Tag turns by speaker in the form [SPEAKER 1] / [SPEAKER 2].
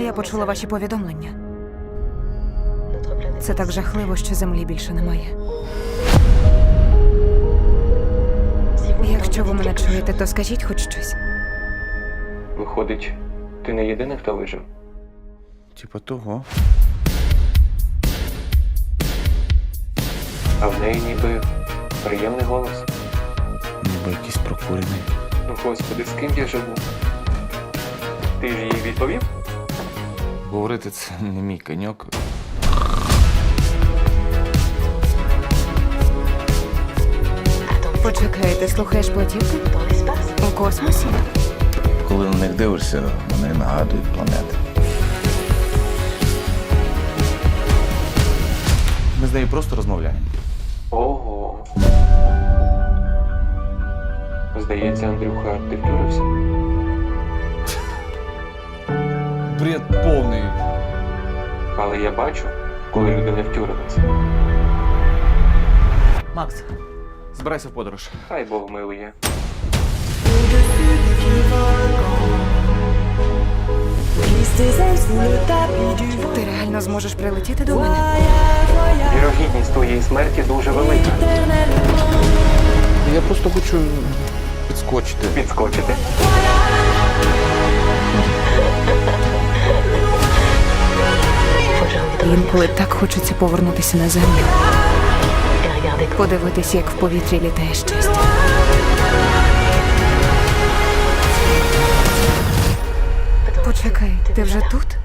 [SPEAKER 1] Я почула ваші повідомлення. Це так жахливо, що землі більше немає. Якщо ви мене чуєте, то скажіть хоч щось.
[SPEAKER 2] Виходить, ти не єдиний, хто вижив?
[SPEAKER 3] Типа того.
[SPEAKER 2] А в неї ніби приємний голос.
[SPEAKER 3] Ніби якийсь прокурений.
[SPEAKER 2] Ну, господи, з ким я живу? Ти ж їй відповів?
[SPEAKER 3] Говорити це не мій коньок.
[SPEAKER 1] Почекай, ти слухаєш платівки? У космосі?
[SPEAKER 3] Коли на них дивишся, вони нагадують планети. Ми з нею просто розмовляємо.
[SPEAKER 2] Ого. Здається, Андрюха, ти втюрився?
[SPEAKER 3] Бред повний.
[SPEAKER 2] Але я бачу, коли люди не втюрилися.
[SPEAKER 3] Макс, збирайся в подорож.
[SPEAKER 2] Хай Бог милує.
[SPEAKER 1] Ти реально зможеш прилетіти до мене?
[SPEAKER 2] Вірогідність твоєї смерті дуже велика.
[SPEAKER 3] Я просто хочу підскочити.
[SPEAKER 2] Підскочити?
[SPEAKER 1] Інколи так хочеться повернутися на землю. Подивитись, як в повітрі літає щастя. Почекай, ти вже тут?